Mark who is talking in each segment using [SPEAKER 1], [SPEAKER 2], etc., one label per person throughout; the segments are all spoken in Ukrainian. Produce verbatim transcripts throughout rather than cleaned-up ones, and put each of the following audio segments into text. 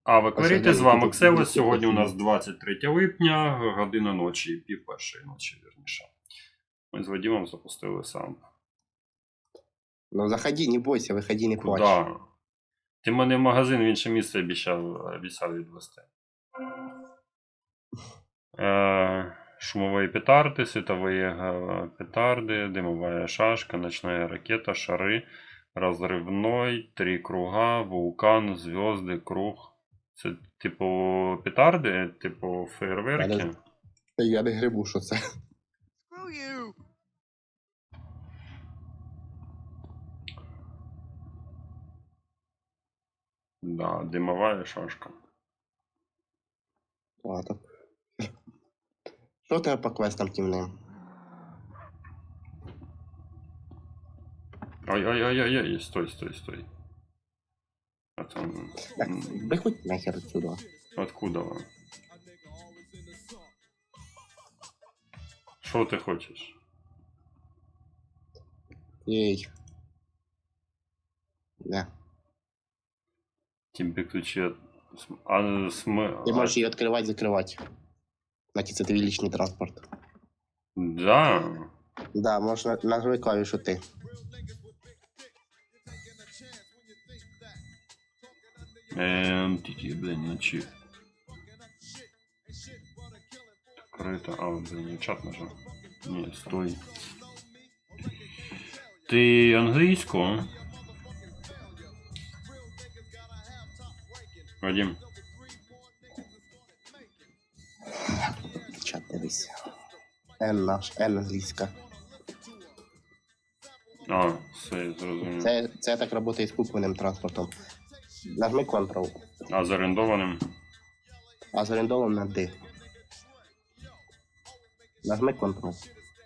[SPEAKER 1] А ви кверите, з вами Ксевос. Сьогодні у нас двадцять третє липня, година ночі, пів першої ночі, вірніше. Ми з Вадимом запустили сам.
[SPEAKER 2] Ну заходи, не бойся, виходи, не плач.
[SPEAKER 1] Куда? Ти мене в магазин в інше місце обіцяв, обіцяв відвести. Е, шумові петарди, світові петарди, димова шашка, ночная ракета, шари, розривной, три круга, вулкан, зв'язки, круг. Це типу петарди, типу фейерверки?
[SPEAKER 2] Я не грибу, що це.
[SPEAKER 1] Да, димова шашка.
[SPEAKER 2] Ладно. Що у тебе по квестам тімним?
[SPEAKER 1] Ой-ой-ой-ой, стой, стой, стой. А там...
[SPEAKER 2] Так, виходь нахер отсюда.
[SPEAKER 1] Откуда вам? Що ти хочеш?
[SPEAKER 2] Ей. Да.
[SPEAKER 1] Тебе ключи от... А, см...
[SPEAKER 2] Ти можеш її відкривати, закривати. Значить, це твій лічний транспорт.
[SPEAKER 1] Да.
[SPEAKER 2] Да, можеш на- нажми клавішу ти.
[SPEAKER 1] Эм, тики, блин, на чип. Открыто. А, блин, я чат нажал. Не, стой. Ты английскую? Вадим.
[SPEAKER 2] Чат дивись. Н наш, Н англійська.
[SPEAKER 1] А, все, зрозумів.
[SPEAKER 2] Це, це так працює з купленим транспортом. Нажми Ctrl,
[SPEAKER 1] А з орендованим?
[SPEAKER 2] а з орендованим на D. Нажми Ctrl.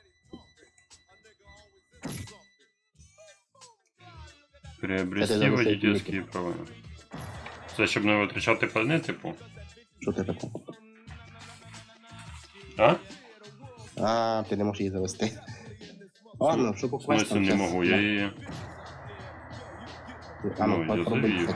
[SPEAKER 1] Приобрести
[SPEAKER 2] Це
[SPEAKER 1] водительські права. Це щоб не витрачати пальне, типу?
[SPEAKER 2] Що це таке?
[SPEAKER 1] А?
[SPEAKER 2] А, ти не можеш її завести. Ладно, що по
[SPEAKER 1] В смысле
[SPEAKER 2] квестам?
[SPEAKER 1] не
[SPEAKER 2] щас-
[SPEAKER 1] можу, я її...
[SPEAKER 2] А
[SPEAKER 1] Ну,
[SPEAKER 2] ну,
[SPEAKER 1] я
[SPEAKER 2] попробуй.
[SPEAKER 1] завів.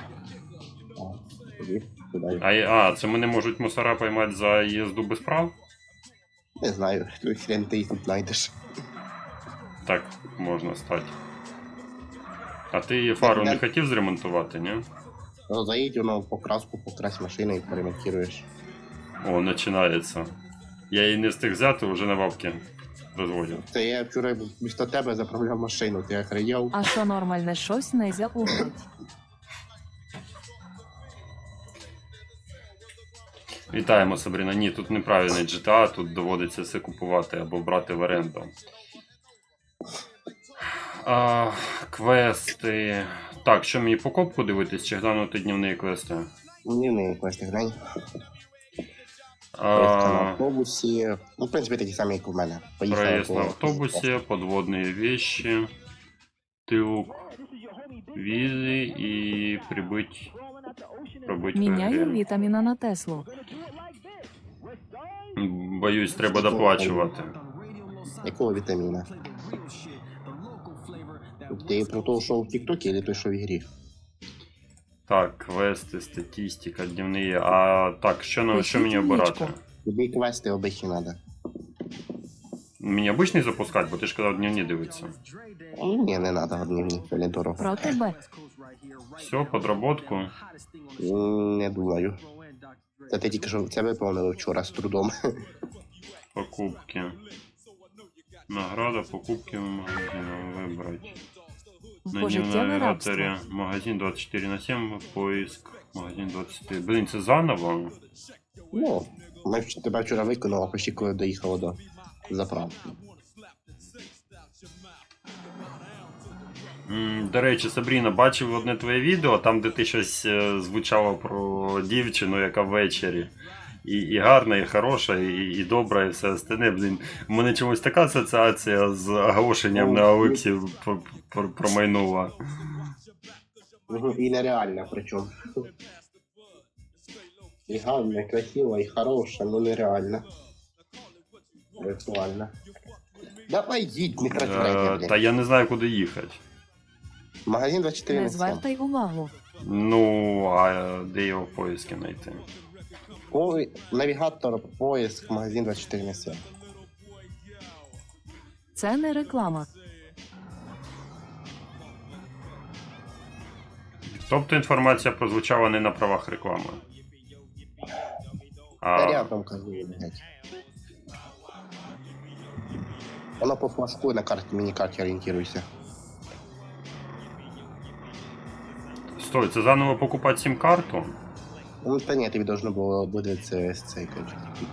[SPEAKER 2] А, тоді, туди.
[SPEAKER 1] А, а, це мене можуть мусора поймати за їзду без прав?
[SPEAKER 2] Не знаю, той хрен ти їх тут знайдеш.
[SPEAKER 1] Так, можна стати. А ти фару не хотів зремонтувати, ні?
[SPEAKER 2] Ну, заїдь воно в покраску, покрась машину і перемонтуєш.
[SPEAKER 1] О, починається. Я її не встиг взяти, вже на бабки розводять.
[SPEAKER 2] Це я вчора вмісто тебе заправляв машину, ти охренів?
[SPEAKER 3] А що нормальне щось нельзя угнать.
[SPEAKER 1] Вітаємо, Сабріна. Ні, тут неправильний джі ті ей, тут доводиться все купувати або брати в оренду. А, квести. Так, що мені покупку дивитись чи глянути днівні квести?
[SPEAKER 2] Ні, не квести глянь.
[SPEAKER 1] А,
[SPEAKER 2] Проїзд на автобусі. Ну, в принципі, такі самі, як у мене. Поїхали
[SPEAKER 1] проезд на
[SPEAKER 2] по-
[SPEAKER 1] автобусе, подводные вещи, тылк, визы и прибыть, пробыть в
[SPEAKER 3] Міняю
[SPEAKER 1] игре.
[SPEAKER 3] вітаміна на Теслу.
[SPEAKER 1] Боюсь, треба доплачувати.
[SPEAKER 2] Якого вітаміна? Ти про того, що в Тіктокі, або той, що в ігрі?
[SPEAKER 1] Так, квести, статистика, дневні. А так, що, на, що мені
[SPEAKER 3] Пишіть
[SPEAKER 1] обирати?
[SPEAKER 3] личку.
[SPEAKER 2] Тобі квести обичні треба.
[SPEAKER 1] Мені обичний запускати, бо ти ж казав дневні дивитися.
[SPEAKER 2] Ні, не треба дневні, це не дорого.
[SPEAKER 3] Про тебе.
[SPEAKER 1] Все, подработку.
[SPEAKER 2] М, Не думаю. Це ти тільки що це виповнили вчора з трудом.
[SPEAKER 1] Покупки. Награда, покупки в магазине выбрать. На
[SPEAKER 3] Пожиттєве рабство.
[SPEAKER 1] навигаторе магазин двадцать четыре на семь, поиск, магазин двадцать четыре. Блин, це заново?
[SPEAKER 2] Ну, ми вч- тебе вчора виконали, почти коли доїхало до заправки.
[SPEAKER 1] М, До речі, Сабріна, бачив одне твоє відео, там де ти щось е, звучало про дівчину, яка ввечері. І, і гарна, і хороша, і, і добра, і все остальне. Блін, у мене чомусь така асоціація з оголошенням на Олексі пр- пр- промайнула.
[SPEAKER 2] Мгм, І нереальна причому. І гарна, і красива, і хороша, ну нереальна. Віртуальна. Давай їдь, не трать
[SPEAKER 1] Е,
[SPEAKER 2] время,
[SPEAKER 1] Та
[SPEAKER 2] блін.
[SPEAKER 1] я не знаю, куди їхати.
[SPEAKER 2] Магазин двадцять чотири
[SPEAKER 3] Не
[SPEAKER 2] на сім.
[SPEAKER 3] звертай увагу.
[SPEAKER 1] Ну, а де його в поїзді знайти?
[SPEAKER 2] По... Навігатор, поїзд, магазин двадцять чотири на сім.
[SPEAKER 3] Це не реклама.
[SPEAKER 1] Тобто інформація прозвучала не на правах реклами.
[SPEAKER 2] Та
[SPEAKER 1] А,
[SPEAKER 2] рядом кажу, блядь. Воно по флажку на карті, міні-карті орієнтируйся.
[SPEAKER 1] стой, це заново покупати сім-карту?
[SPEAKER 2] Ну, та ні, тобі должно було буде це з цей коротше.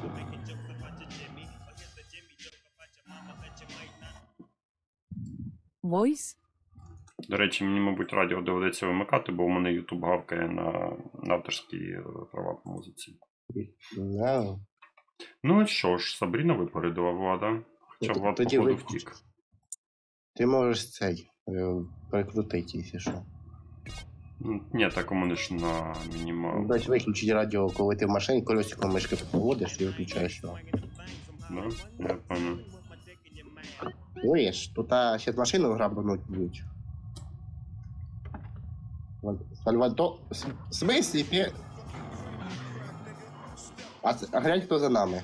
[SPEAKER 3] Voice.
[SPEAKER 1] До речі, мені, мабуть, радіо доведеться вимикати, бо у мене YouTube гавкає на, на авторські е, права по музиці.
[SPEAKER 2] No.
[SPEAKER 1] Ну і що ж, Сабріна випередила Влада. Хоча
[SPEAKER 2] Ну,
[SPEAKER 1] Влад,
[SPEAKER 2] тоді
[SPEAKER 1] походу,
[SPEAKER 2] виключ.
[SPEAKER 1] втік.
[SPEAKER 2] Ти можеш цей е, перекрутити, якщо що.
[SPEAKER 1] Ну, ні, так у мене ж на мінімал.
[SPEAKER 2] Дать виключити радіо, коли ти в машині колесиком мишки поводиш і виключаєш його.
[SPEAKER 1] Да? Я пам'ятаю.
[SPEAKER 2] Чуєш, тут а, ще машину грабануть будуть. Вон, Сальвадо... С- В смислі? Ти... А, це- а глянь, хто за нами.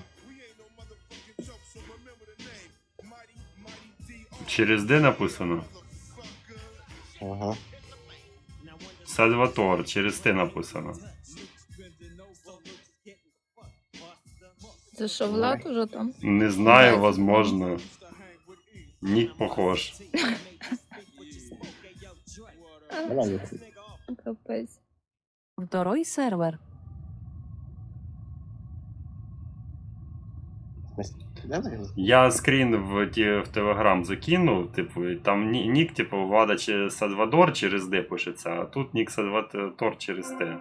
[SPEAKER 1] Через Д написано?
[SPEAKER 2] Ага.
[SPEAKER 1] Сальватор, через Т написано.
[SPEAKER 4] Це що, Влад уже там?
[SPEAKER 1] Не знаю,
[SPEAKER 4] Бать.
[SPEAKER 1] возможно. Нік похож.
[SPEAKER 2] Давай, Люхи.
[SPEAKER 4] Капець.
[SPEAKER 3] Второй сервер.
[SPEAKER 2] В смислі? Давай.
[SPEAKER 1] Я скрін в, ті, в Телеграм закинув, типу, і там ні- нік, типу, Влада чи Сальвадор через Д пишеться, а тут нік Сальватор через Т.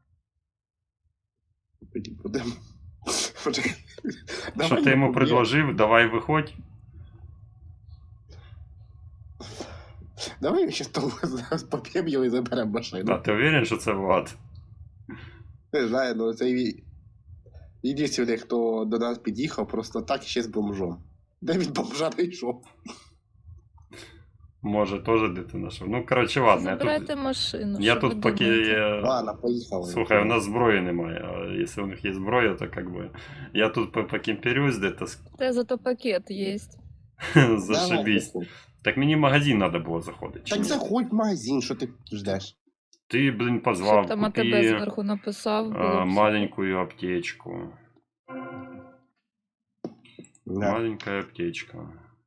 [SPEAKER 2] Тоді будемо. Почекай.
[SPEAKER 1] Що
[SPEAKER 2] Давай
[SPEAKER 1] ти
[SPEAKER 2] я
[SPEAKER 1] йому
[SPEAKER 2] поб'ю.
[SPEAKER 1] предложив? Давай виходь.
[SPEAKER 2] Давай ще того зараз поп'ємо його і заберемо машину.
[SPEAKER 1] А ти уверен, що це Влад?
[SPEAKER 2] Не знаю, ну це і... Єдиний, хто до нас під'їхав, просто так ще з бомжом. Де від бомжа не йшов?
[SPEAKER 1] Може, теж дитина що. Ну, коротше, ладно, я
[SPEAKER 4] Забирайте
[SPEAKER 1] тут,
[SPEAKER 4] машину.
[SPEAKER 1] я
[SPEAKER 4] що ви
[SPEAKER 1] тут поки.
[SPEAKER 4] думаєте?
[SPEAKER 1] е,
[SPEAKER 2] Ладно, поїхали.
[SPEAKER 1] Слухай, у нас зброї немає, а якщо у них є зброя, то как бы. Я тут по- покемперюсь де-то, с-
[SPEAKER 4] Та зато пакет є.
[SPEAKER 1] зашибись.
[SPEAKER 2] Давай,
[SPEAKER 1] Так мені в магазин треба було заходити. чи
[SPEAKER 2] так
[SPEAKER 1] ні?
[SPEAKER 2] заходь в магазин, що ти ждеш?
[SPEAKER 1] Ти, блин, позвав,
[SPEAKER 4] Щоб там АТБ
[SPEAKER 1] купи
[SPEAKER 4] зверху написав.
[SPEAKER 1] а,
[SPEAKER 4] було б
[SPEAKER 1] маленькую аптечку.
[SPEAKER 2] Да.
[SPEAKER 1] Маленькая аптечка.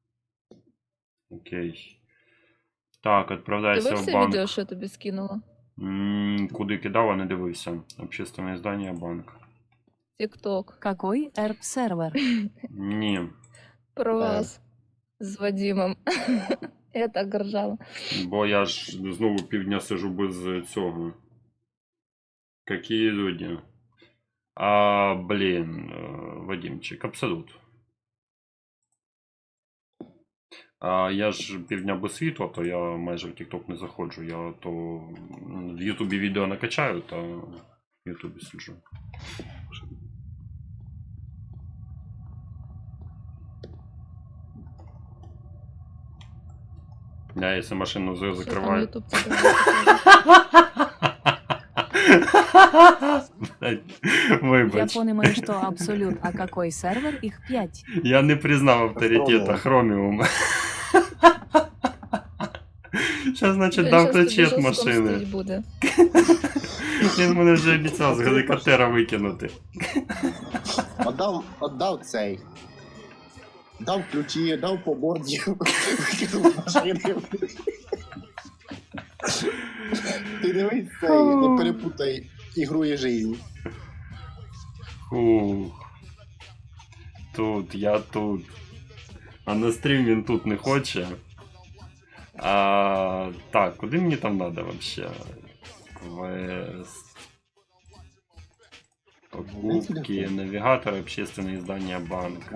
[SPEAKER 1] Окей. Так,
[SPEAKER 4] супер.
[SPEAKER 1] відправляйся в
[SPEAKER 4] Дивився
[SPEAKER 1] банк.
[SPEAKER 4] відео, що я тобі скинула?
[SPEAKER 1] М, Куди кидав, а не дивився. Общественне здання банк.
[SPEAKER 4] Тік-ток.
[SPEAKER 3] Какой ерп сервер?
[SPEAKER 1] Ні.
[SPEAKER 4] Про
[SPEAKER 2] Так.
[SPEAKER 4] вас з Вадимом. Я так ржала.
[SPEAKER 1] Бо я ж знову півдня сижу без цього. Какие люди. А, блін, е, Вадимчик, абсолют. А я ж півдня без світла, то я майже в TikTok не заходжу. Я то м, в Ютубі відео накачаю, та в Ютубі сиджу. Я якщо машину за-
[SPEAKER 4] Що там
[SPEAKER 1] закриваю.
[SPEAKER 4] Ютуб це
[SPEAKER 1] Блядь,
[SPEAKER 3] Я
[SPEAKER 1] Вибач.
[SPEAKER 3] понимаю, что абсолют, а какой сервер? Их пять.
[SPEAKER 1] Я не признав авторитета Хроміум. Зараз, значить, дав ключі від машини.
[SPEAKER 4] буде.
[SPEAKER 1] Він мене вже обіцяв з гелікоптера викинути.
[SPEAKER 2] Отдав, отдав цей. Дав ключі, дав по борді, викинув з машини. Ти дивись цей, не перепутай ігру і жизнь.
[SPEAKER 1] Фух. Тут, я тут. А на стрім він тут не хоче. А, так, куди мені там надо вообще? Квест. Покупки, навигатор, общественное издание банк.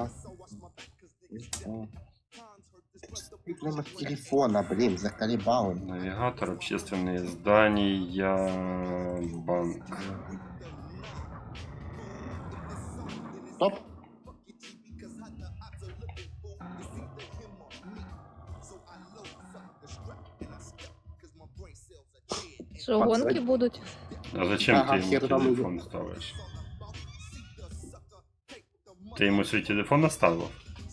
[SPEAKER 2] Номер телефона, блін, заколебали.
[SPEAKER 1] Навигатор, общественные издания, банк.
[SPEAKER 2] Стоп.
[SPEAKER 4] Що, гонки будуть?
[SPEAKER 1] А зачем
[SPEAKER 2] Ага,
[SPEAKER 1] ты ему
[SPEAKER 2] хер там
[SPEAKER 1] телефон ставишь? Ты ему свой телефон оставил?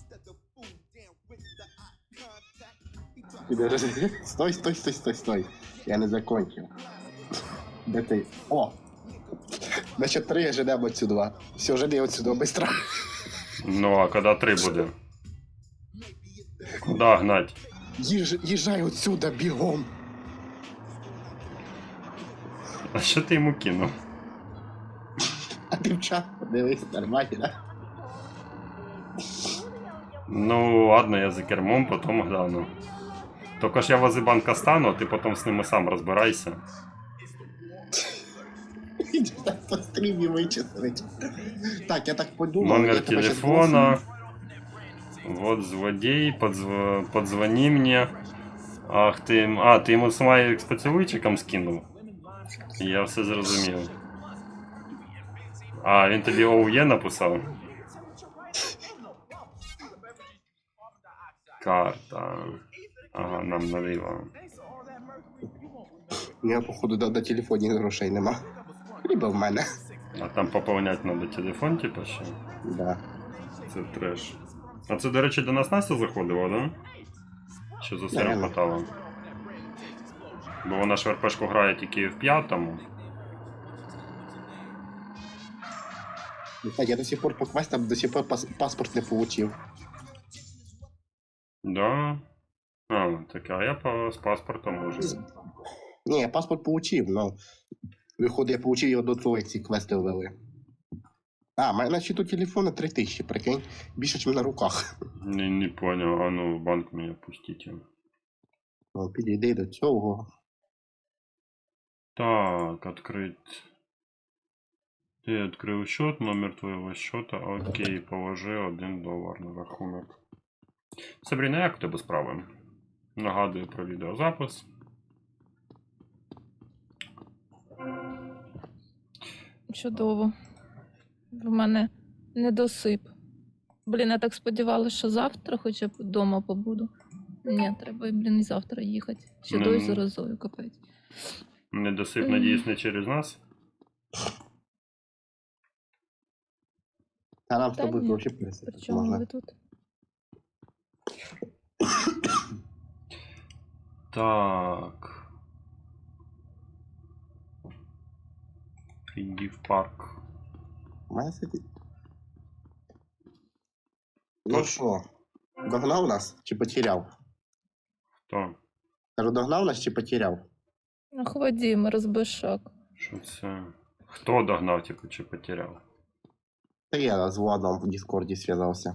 [SPEAKER 2] Підожди. Стой, стой, стой, стой, стой. Я не закончив. Де ти? О! Значить, три ждемо отсюда. Все, жди отсюда, быстро.
[SPEAKER 1] Ну, а когда три буде? Куда гнать?
[SPEAKER 2] Їж, їжджай отсюда, бігом.
[SPEAKER 1] А що ти йому кинув?
[SPEAKER 2] А ти в чат подивись, нормально, да?
[SPEAKER 1] Ну, ладно, я за кермом, потом гляну. Только ж я возле банка стану, а ти потом з ними сам розбирайся.
[SPEAKER 2] По стрімі вичислить. Так, я так подумав. я
[SPEAKER 1] Номер
[SPEAKER 2] тебе щас
[SPEAKER 1] телефона. Вот злодей, подзв... подзвони мне. Ах ти. А, ти йому смайлик з поцілуйчиком скинув? Я все зрозумів. А, він тобі ОУЄ написав? Карта. Ага, нам наліво.
[SPEAKER 2] У мене, походу, на, на телефоні грошей нема. Либо в мене.
[SPEAKER 1] А там поповнять надо телефон, типа ще?
[SPEAKER 2] Да.
[SPEAKER 1] Це треш. А це, до речі, до нас Настя заходила, да? Що за сиром
[SPEAKER 2] Наверно.
[SPEAKER 1] хватало? Бо вона ж в РПшку грає тільки в п'ятому.
[SPEAKER 2] Кстати, я до сих пор по квестам до сих пор пас паспорт не получив.
[SPEAKER 1] Да. А, так, а я по, з паспортом уже.
[SPEAKER 2] Ні, я паспорт получив, но виходить, я получив його до того, як ці квести ввели. А, в мене на счету телефона три тисячі, прикинь. Більше, ніж на руках.
[SPEAKER 1] Не, не понял, а ну в банк меня пустите.
[SPEAKER 2] Ну, підійди до цього.
[SPEAKER 1] Так, открыть. Ты открыл счет, номер твоего счета. Окей, положи один долар на рахунок. Сабріна, як у тебе справи? Нагадую про відеозапис.
[SPEAKER 4] Чудово. В мене недосип. Блін, я так сподівалася, що завтра хоча б вдома побуду. Ні, треба, блін, і завтра їхати. Ще
[SPEAKER 1] Ну,
[SPEAKER 4] дою
[SPEAKER 1] ну.
[SPEAKER 4] з розою капець.
[SPEAKER 1] Недосип,
[SPEAKER 4] Мгм.
[SPEAKER 1] надіюсь, не через нас.
[SPEAKER 2] Та нам з
[SPEAKER 4] Та
[SPEAKER 2] тобою
[SPEAKER 4] ні.
[SPEAKER 2] гроші пересипати
[SPEAKER 4] Причому
[SPEAKER 2] можна.
[SPEAKER 4] ви тут?
[SPEAKER 1] Так. Иди в парк.
[SPEAKER 2] Має сидіти. Ну
[SPEAKER 1] Тож.
[SPEAKER 2] що, догнав нас чи потеряв?
[SPEAKER 1] Хто?
[SPEAKER 2] Кажу, догнав нас чи потеряв?
[SPEAKER 4] Ах, Вадим, розбишак.
[SPEAKER 1] Що це? Хто догнав, типу, чи потеряв?
[SPEAKER 2] Та я з Владом в Дискорді зв'язався.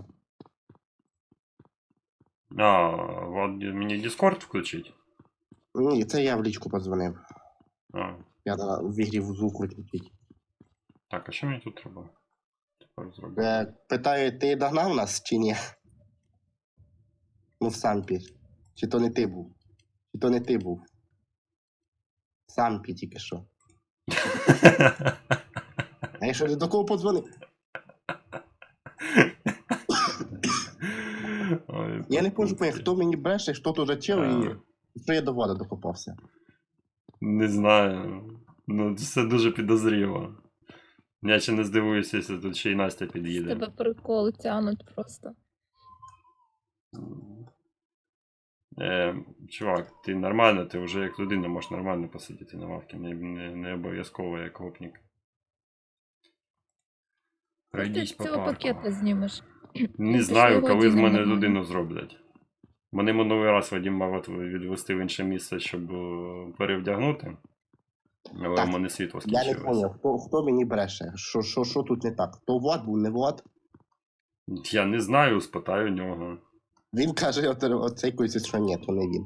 [SPEAKER 1] А, Влад, мені Discord включить?
[SPEAKER 2] Ні, це я в лічку подзвонив.
[SPEAKER 1] А,
[SPEAKER 2] Я на- в ігрі в звук виключить.
[SPEAKER 1] так, а що мені тут треба? Тепер зробити.
[SPEAKER 2] Е, питаю, ти догнав нас чи ні? Ну, в Сампі. Чи то не ти був? Чи то не ти був? В Сампі тільки що. А я що, до кого подзвонив?
[SPEAKER 1] Ой,
[SPEAKER 2] Я не можу
[SPEAKER 1] пакунки.
[SPEAKER 2] поняти, хто мені бреше, хто тут зачав
[SPEAKER 1] А.
[SPEAKER 2] і що я до Влада докопався.
[SPEAKER 1] Не знаю. Ну, це дуже підозріло. Я ще не здивуюся, якщо тут ще й Настя
[SPEAKER 4] З
[SPEAKER 1] під'їде.
[SPEAKER 4] тебе прикол тянуть просто.
[SPEAKER 1] Е, чувак, ти нормально, ти вже як людина можеш нормально посидіти на лавці, не, не, не обов'язково як гопник.
[SPEAKER 4] Ти
[SPEAKER 1] Пройдись
[SPEAKER 4] з
[SPEAKER 1] по
[SPEAKER 4] цього
[SPEAKER 1] парку.
[SPEAKER 4] пакета знімеш.
[SPEAKER 1] Не
[SPEAKER 4] Ти
[SPEAKER 1] знаю,
[SPEAKER 4] свого
[SPEAKER 1] коли з
[SPEAKER 4] Діма
[SPEAKER 1] мене
[SPEAKER 4] нормально.
[SPEAKER 1] людину зроблять. Мене минулий раз Вадим мав от відвести в інше місце, щоб е, перевдягнути. Але
[SPEAKER 2] Так,
[SPEAKER 1] в мене світло
[SPEAKER 2] Я не
[SPEAKER 1] скінчилось.
[SPEAKER 2] зрозумів, хто, хто мені бреше, що, що, що тут не так. То Влад був, не Влад.
[SPEAKER 1] Я не знаю, спитаю нього.
[SPEAKER 2] Він каже, оце- оцей койці, що ні, то не він.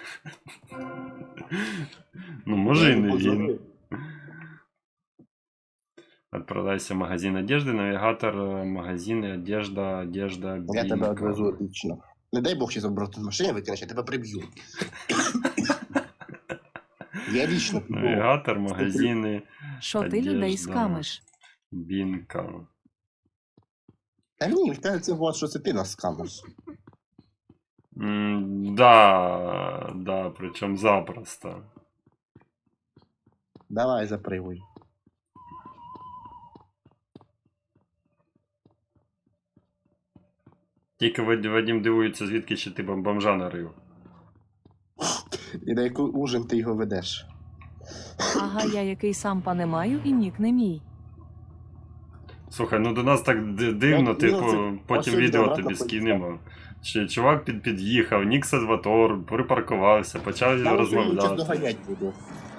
[SPEAKER 1] Ну, може і
[SPEAKER 2] Я
[SPEAKER 1] не
[SPEAKER 2] йому
[SPEAKER 1] він.
[SPEAKER 2] подзвонив.
[SPEAKER 1] Отправляйся в магазин одежды, навигатор, э, магазины, одежда, одежда,
[SPEAKER 2] Я тебе
[SPEAKER 1] бинго.
[SPEAKER 2] одвезу лично. Не дай Бог, ще обратно з машини викинеш, я тебе приб'ю. Я лично піду.
[SPEAKER 1] Навигатор, магазины,
[SPEAKER 3] Що ти людей
[SPEAKER 1] Одежда.
[SPEAKER 3] скамиш?
[SPEAKER 1] бинка.
[SPEAKER 2] Та ні, він каже, це Влад, що це ти нас скамиш.
[SPEAKER 1] М, да, да, причем запросто.
[SPEAKER 2] Давай запригуй.
[SPEAKER 1] Тільки Вад- Вадим дивується, звідки ще ти бом- бомжа нарив.
[SPEAKER 2] І на яку ужин ти його ведеш?
[SPEAKER 3] Ага, я який сам пане маю і нік не мій.
[SPEAKER 1] Слухай, ну до нас так ди- дивно,
[SPEAKER 2] Ну,
[SPEAKER 1] типу,
[SPEAKER 2] ну, це-
[SPEAKER 1] потім
[SPEAKER 2] ось
[SPEAKER 1] відео
[SPEAKER 2] обратно
[SPEAKER 1] тобі
[SPEAKER 2] поїхав.
[SPEAKER 1] скинемо. Чи чувак під, під'їхав, нік Сальватор, припаркувався, почав
[SPEAKER 2] Я зараз
[SPEAKER 1] розмовляти.
[SPEAKER 2] доганять буду.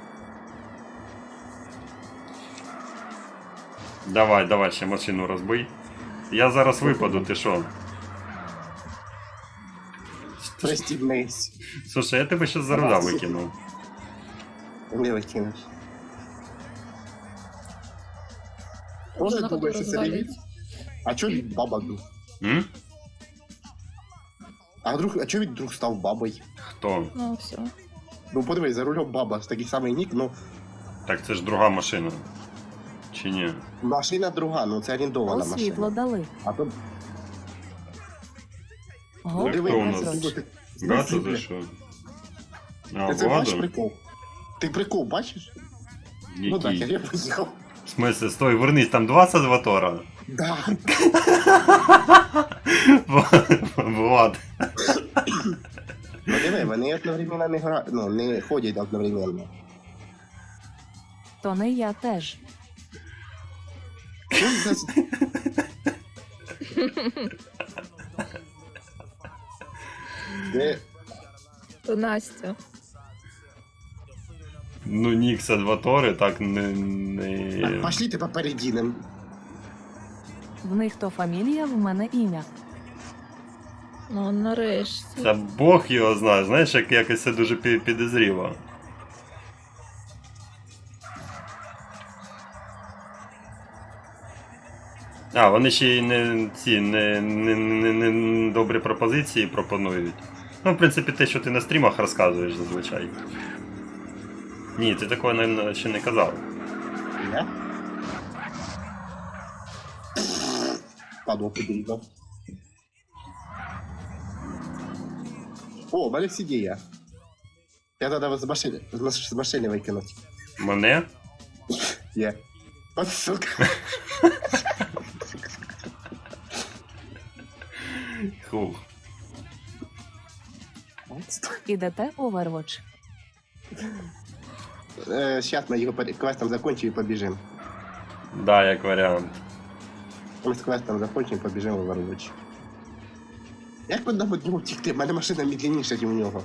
[SPEAKER 1] Давай, давай, ще машину розбий. Я зараз випаду, ти що?
[SPEAKER 2] Пристібнись.
[SPEAKER 1] Слушай, я тебе ще за руля викинув.
[SPEAKER 2] Не викинеш.
[SPEAKER 4] Вже
[SPEAKER 2] Може,
[SPEAKER 4] на
[SPEAKER 2] думаєш, що це не він?
[SPEAKER 4] розвалюється.
[SPEAKER 2] А чого він баба був?
[SPEAKER 1] М?
[SPEAKER 2] А вдруг, а чого він вдруг став бабою?
[SPEAKER 1] Хто?
[SPEAKER 4] Ну, все.
[SPEAKER 2] Ну подивись, за рулем баба, ж такий самий нік, ну
[SPEAKER 1] Так це ж друга машина. Чи ні?
[SPEAKER 2] машина друга, ну це орендована
[SPEAKER 3] О, світло
[SPEAKER 2] машина.
[SPEAKER 3] дали.
[SPEAKER 2] А то
[SPEAKER 3] Го,
[SPEAKER 1] Хто у нас?
[SPEAKER 3] Безроч.
[SPEAKER 1] Гато за що? А,
[SPEAKER 2] Ти це бачиш
[SPEAKER 1] Владу?
[SPEAKER 2] прикол? Ти прикол бачиш? Ну так,
[SPEAKER 1] Який?
[SPEAKER 2] я поїхав.
[SPEAKER 1] В смысле, стой, вернись, там два Сальватора?
[SPEAKER 2] Да.
[SPEAKER 1] Влад.
[SPEAKER 2] Ну диви, вони одновременно не грають, ну не ходять одновременно.
[SPEAKER 3] То не я теж.
[SPEAKER 2] Ну, це- Де
[SPEAKER 4] То Настя.
[SPEAKER 1] Ну, нік Сальватори так не...
[SPEAKER 2] Так,
[SPEAKER 1] не...
[SPEAKER 2] пошли ти попередінем.
[SPEAKER 3] В них то фамілія, в мене ім'я.
[SPEAKER 4] Ну, нарешті.
[SPEAKER 1] Та Бог його знає, знаєш, як якось це дуже пі- підозріло. А, вони ще й не ці не, не, не, не добрі пропозиції пропонують. Ну, в принципі, те, що ти на стрімах розказуєш зазвичай. Ні, ти такого не, ще не казав.
[SPEAKER 2] Я? Падло підійдав. О, у мене всі діє. Я треба з машини, з маш- з машини викинути.
[SPEAKER 1] Мене?
[SPEAKER 2] Є. От сука.
[SPEAKER 1] Хух.
[SPEAKER 3] Ідете Overwatch.
[SPEAKER 2] Е, Щас ми його пер- квестом закончимо і побіжимо.
[SPEAKER 1] Да, як варіант.
[SPEAKER 2] Ми з квестом закончимо і побіжимо в Overwatch. Як ми дамо нього втікти? У мене машина медленніша, ніж у нього.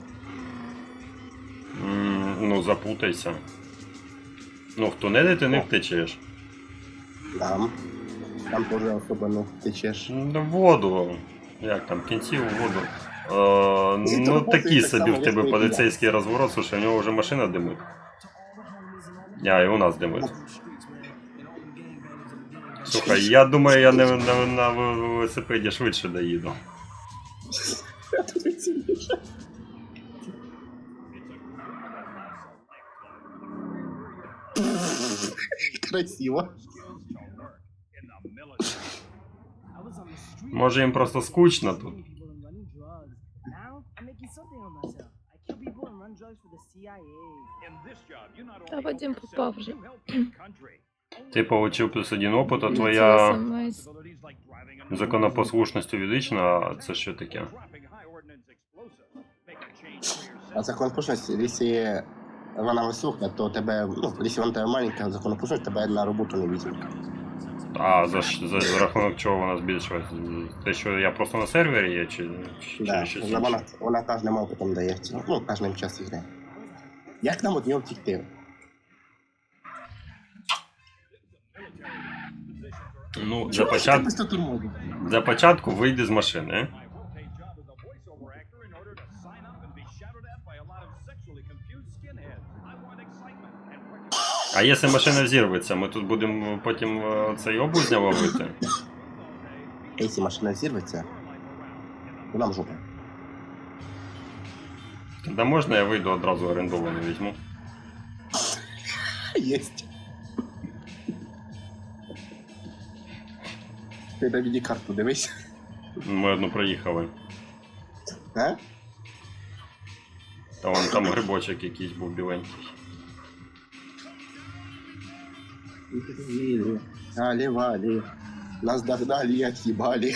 [SPEAKER 1] М, ну, запутайся. Ну, в тунелі ти не втечеш.
[SPEAKER 2] Там. Там теж особо не втечеш.
[SPEAKER 1] Ну, в воду. Як там, в кінці у воду. Е,
[SPEAKER 2] Ні,
[SPEAKER 1] ну,
[SPEAKER 2] то
[SPEAKER 1] такий
[SPEAKER 2] так
[SPEAKER 1] собі
[SPEAKER 2] само
[SPEAKER 1] в тебе
[SPEAKER 2] весь
[SPEAKER 1] поліцейський розворот, слушай, у нього вже машина димить. А, і у нас димить. Слухай, я думаю, я не, на, на велосипеді швидше доїду.
[SPEAKER 2] Красиво.
[SPEAKER 1] Може їм просто скучно тут.
[SPEAKER 4] Та Вадим попав вже.
[SPEAKER 1] Ти получив плюс один опит, а
[SPEAKER 4] Це
[SPEAKER 1] твоя
[SPEAKER 4] смс.
[SPEAKER 1] законопослушність увеличена, а це що таке?
[SPEAKER 2] А законопослушність, якщо вона висока, то тебе, ну, якщо вона тебе маленька, законопослушність тебе на роботу не візьмуть.
[SPEAKER 1] А за, ш- за, за рахунок чого вона збільшилась? Те, що я просто на сервері є, чи, чи
[SPEAKER 2] Да,
[SPEAKER 1] щось
[SPEAKER 2] вона,
[SPEAKER 1] інше?
[SPEAKER 2] вона кожним опитом дається. Ну, кожним час грає. Як нам від нього втікти?
[SPEAKER 1] Ну, для,
[SPEAKER 2] Чого ж
[SPEAKER 1] почат...
[SPEAKER 2] ти без турмоду?
[SPEAKER 1] для початку вийди з машини. А якщо машина взірветься, ми тут будемо потім е, цей обузня ловити.
[SPEAKER 2] Якщо машина зірветься, то нам жопа.
[SPEAKER 1] Тоді можна я вийду одразу орендовану візьму.
[SPEAKER 2] Єсть. Ти на віді-карту дивись.
[SPEAKER 1] Ми одну проїхали.
[SPEAKER 2] А?
[SPEAKER 1] Та вон там грибочок якийсь був біленький.
[SPEAKER 2] Али-вали. Нас догнали и отъебали.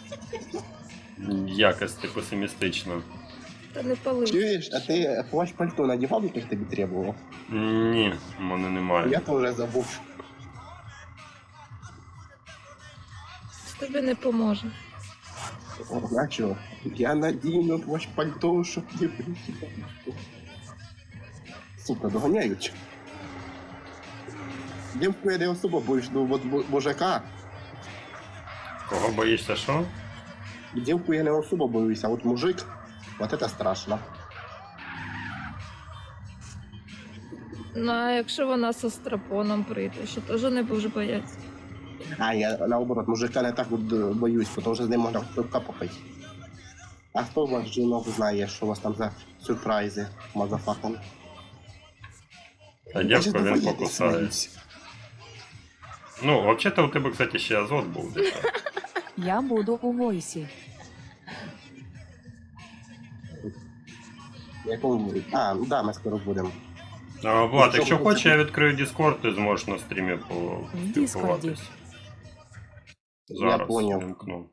[SPEAKER 1] Якось ти песимістично.
[SPEAKER 4] Та не пали.
[SPEAKER 2] Чуєш, а ти плащ пальто надівав, який тобі требував?
[SPEAKER 1] Ні, в мене немає.
[SPEAKER 2] Я теж забув.
[SPEAKER 4] Тобі не поможе.
[SPEAKER 2] О, а чого? Я надіну плащ пальто, щоб не прийти. Сука, доганяють. Дівку я не особо боюсь, ну от бу- мужика.
[SPEAKER 1] Кого боїшся, що?
[SPEAKER 2] Дівку я не особо боюся, а от мужик, от це страшно.
[SPEAKER 4] Ну, а якщо вона з страпоном прийде, що теж не будеш боятися.
[SPEAKER 2] А я наоборот, мужика не так от е, боюсь, тому що з ним можна пивка попити. А хто у вас жінок знає, що у вас там за сюрпризи, мазафаком?
[SPEAKER 1] А дівку він покусає. Ну, взагалі у тебе, кстати, ще азот був десь.
[SPEAKER 3] Я буду у войсі.
[SPEAKER 2] Якому? А, ну да, ми скоро будемо.
[SPEAKER 1] А, Влад, якщо хочеш, я відкрию Discord, ти зможеш на стрімі поспілкуватись. Зараз
[SPEAKER 2] Я поняв.
[SPEAKER 1] вимкну.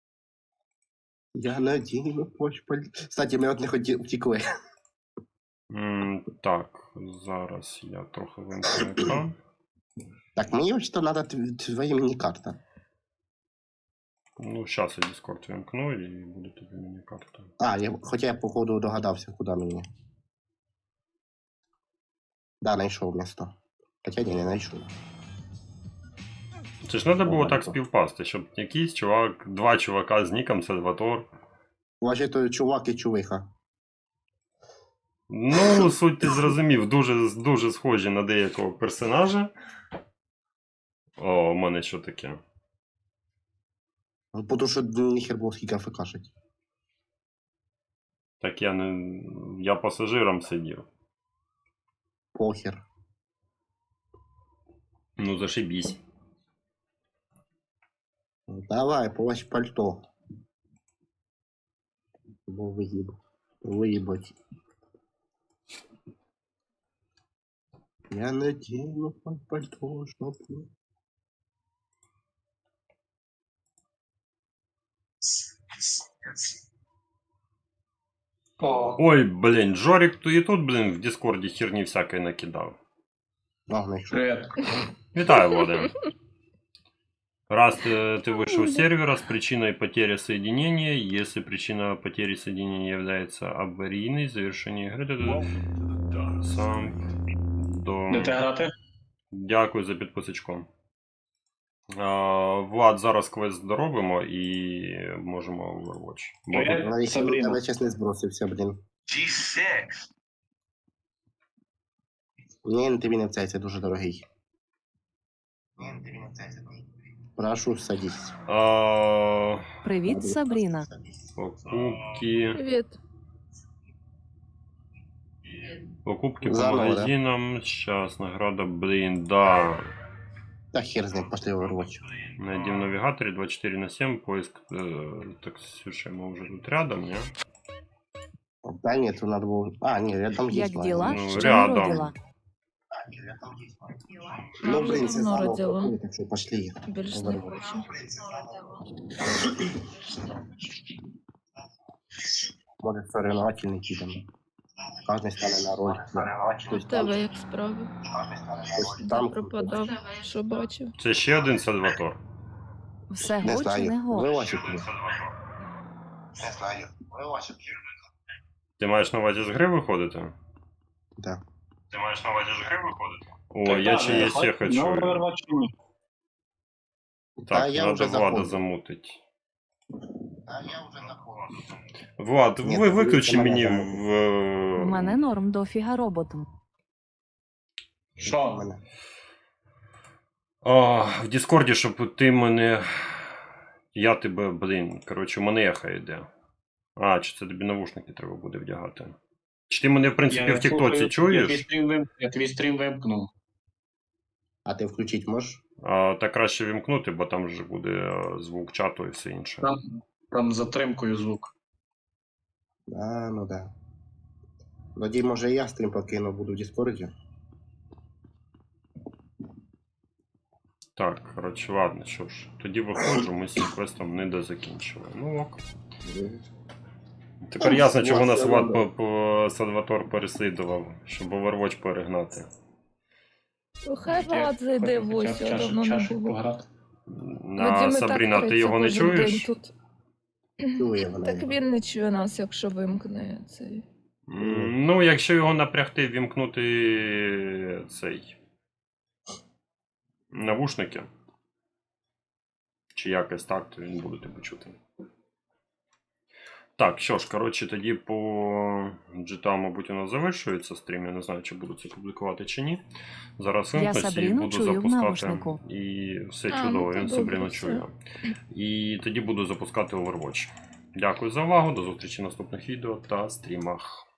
[SPEAKER 2] Я надіну плащ пальто. Кстати, ми от не хоті... втікли.
[SPEAKER 1] М, Так, зараз я трохи вимкну екран.
[SPEAKER 2] Так, мені ось то треба твоя міні-карта.
[SPEAKER 1] Ну, зараз я Discord вимкну і буде тобі міні-карта.
[SPEAKER 2] А, я, хоча я походу догадався, куди мені. Да, знайшов місто. Хоча ні, не знайшов.
[SPEAKER 1] Це ж треба було так співпасти, щоб якийсь чувак, два чувака з ніком Сальватор.
[SPEAKER 2] Вважай, то чувак і чувиха.
[SPEAKER 1] Ну, суть ти зрозумів, дуже, дуже схожі на деякого персонажа. О, у мене що таке?
[SPEAKER 2] Ну, тому що ніхер було скільки АФКшить.
[SPEAKER 1] Так я не. Я пасажиром сидів.
[SPEAKER 2] Похер.
[SPEAKER 1] Ну, зашибісь.
[SPEAKER 2] Давай, плащ пальто. Бо виїб. Виїбать. Я надіну пальто, щоб...
[SPEAKER 1] Ой, блін, Жорик то і тут, блін, в Дискорді херні всякої накидав.
[SPEAKER 2] А, знайшов.
[SPEAKER 5] Привет.
[SPEAKER 1] Вітаю, Владимир. Раз ты, ты вышел с сервера с причиной потери соединения, если причина потери соединения является аварийной, завершение игры, то сам до...
[SPEAKER 5] Де ти грати?
[SPEAKER 1] Дякую за підписочку. А, Влад, зараз квест доробимо і можемо в Overwatch. Бо
[SPEAKER 5] Привет.
[SPEAKER 1] тут-
[SPEAKER 2] Навіть
[SPEAKER 5] Сабріна.
[SPEAKER 2] тебе чесно збросився, блін.
[SPEAKER 6] джі шість.
[SPEAKER 2] Ні, тобі не в цей, це дуже дорогий. Прошу, садись.
[SPEAKER 1] А,
[SPEAKER 3] Привіт, Сабріна.
[SPEAKER 1] покупки.
[SPEAKER 4] Привіт.
[SPEAKER 1] Покупки по
[SPEAKER 2] Заново, да?
[SPEAKER 1] магазинам. Сейчас награда, блин, да.
[SPEAKER 2] Та хер з ним, пошли в Overwatch.
[SPEAKER 1] Найди в навигаторе двадцать четыре на семь, поиск. Э, так, слушай, мы уже тут рядом, не?
[SPEAKER 2] Та ні, тут надо було... А, ні, рядом є.
[SPEAKER 3] Як діла?
[SPEAKER 1] Ну,
[SPEAKER 3] Ще
[SPEAKER 1] рядом.
[SPEAKER 3] не родила.
[SPEAKER 2] Ну,
[SPEAKER 4] Я
[SPEAKER 2] блін,
[SPEAKER 4] вже
[SPEAKER 2] це
[SPEAKER 4] давно
[SPEAKER 2] заново
[SPEAKER 4] родила.
[SPEAKER 2] проходить, так що пошли.
[SPEAKER 4] Більш не хочу.
[SPEAKER 2] Може, соревновательний чи там. Кожен стане на роль. Хтось
[SPEAKER 4] В
[SPEAKER 2] там,
[SPEAKER 4] тебе як справи?
[SPEAKER 2] хтось
[SPEAKER 4] Де
[SPEAKER 2] там.
[SPEAKER 4] пропадав? Що бачив?
[SPEAKER 1] Це ще один Сальватор.
[SPEAKER 3] Все
[SPEAKER 2] Не
[SPEAKER 3] го чи не
[SPEAKER 2] знаю.
[SPEAKER 3] го?
[SPEAKER 2] Вилазить.
[SPEAKER 6] Не знаю. Вилазить.
[SPEAKER 1] Ти маєш на увазі з гри виходити?
[SPEAKER 2] Да.
[SPEAKER 1] Ти маєш на увазі з гри виходити? О,
[SPEAKER 5] Так,
[SPEAKER 1] я
[SPEAKER 5] да,
[SPEAKER 1] чи
[SPEAKER 5] не,
[SPEAKER 1] є
[SPEAKER 5] хоч-
[SPEAKER 1] ще хочу.
[SPEAKER 5] Ну, Overwatch ні.
[SPEAKER 2] Та
[SPEAKER 1] Так,
[SPEAKER 2] я
[SPEAKER 1] надо
[SPEAKER 2] вже
[SPEAKER 1] Влада
[SPEAKER 2] заходжу.
[SPEAKER 1] замутить.
[SPEAKER 6] А я вже заходжу.
[SPEAKER 1] Влад,
[SPEAKER 2] Ні,
[SPEAKER 1] ви
[SPEAKER 2] ти
[SPEAKER 1] виключи
[SPEAKER 2] мене
[SPEAKER 1] мені
[SPEAKER 2] замутиш.
[SPEAKER 1] в...
[SPEAKER 3] У мене норм дофіга роботом.
[SPEAKER 5] Що?
[SPEAKER 2] Мене.
[SPEAKER 1] А, в Діскорді, щоб ти мене... Я тебе, блін, коротше, у мене ехо йде. А, чи це тобі навушники треба буде вдягати? Чи ти мене, в принципі, в Тіктоці
[SPEAKER 5] слухаю, Я твій
[SPEAKER 1] чуєш?
[SPEAKER 5] стрім, вим... я твій стрім вимкнув.
[SPEAKER 2] А ти включить можеш?
[SPEAKER 1] А, так краще вімкнути, бо там вже буде е, звук чату і все інше.
[SPEAKER 5] Там, там з затримкою звук.
[SPEAKER 2] А, ну да. Тоді, може, я стрім покину, буду в Діскорді.
[SPEAKER 1] Так, коротше, ладно, що ж. Тоді виходжу, ми з цим квестом не дозакінчили. Ну ок. Тепер
[SPEAKER 2] Ну,
[SPEAKER 1] ясно, чого
[SPEAKER 2] все
[SPEAKER 1] нас Влад
[SPEAKER 2] одно.
[SPEAKER 1] по, по Сальватор переслідував, щоб Overwatch перегнати.
[SPEAKER 4] Хай Влад зайде в ось, я давно не
[SPEAKER 5] чашик
[SPEAKER 4] було.
[SPEAKER 5] пограти.
[SPEAKER 1] На
[SPEAKER 4] Вадим і так
[SPEAKER 1] Сабріна, ти
[SPEAKER 4] триться
[SPEAKER 1] його не
[SPEAKER 4] кожен
[SPEAKER 1] чуєш?
[SPEAKER 4] день тут.
[SPEAKER 2] Чує вона.
[SPEAKER 4] Так він не чує нас, якщо вимкне цей.
[SPEAKER 1] М, Ну, якщо його напрягти, вімкнути цей навушники. Чи якось так, то він буде тебе чути. Так, що ж, коротше, тоді по джі ті ей, мабуть, у нас завершується стрім. Я не знаю, чи буду це публікувати чи ні. Зараз
[SPEAKER 3] Я
[SPEAKER 1] вимкнусь і
[SPEAKER 3] Сабріну
[SPEAKER 1] буду
[SPEAKER 3] чую в
[SPEAKER 1] запускати.
[SPEAKER 3] навушнику.
[SPEAKER 1] І все
[SPEAKER 4] А,
[SPEAKER 1] чудово,
[SPEAKER 4] ну, то
[SPEAKER 1] він
[SPEAKER 4] добре,
[SPEAKER 1] Сабріну
[SPEAKER 4] все.
[SPEAKER 1] чує. І тоді буду запускати Overwatch. Дякую за увагу, до зустрічі в наступних відео та стрімах.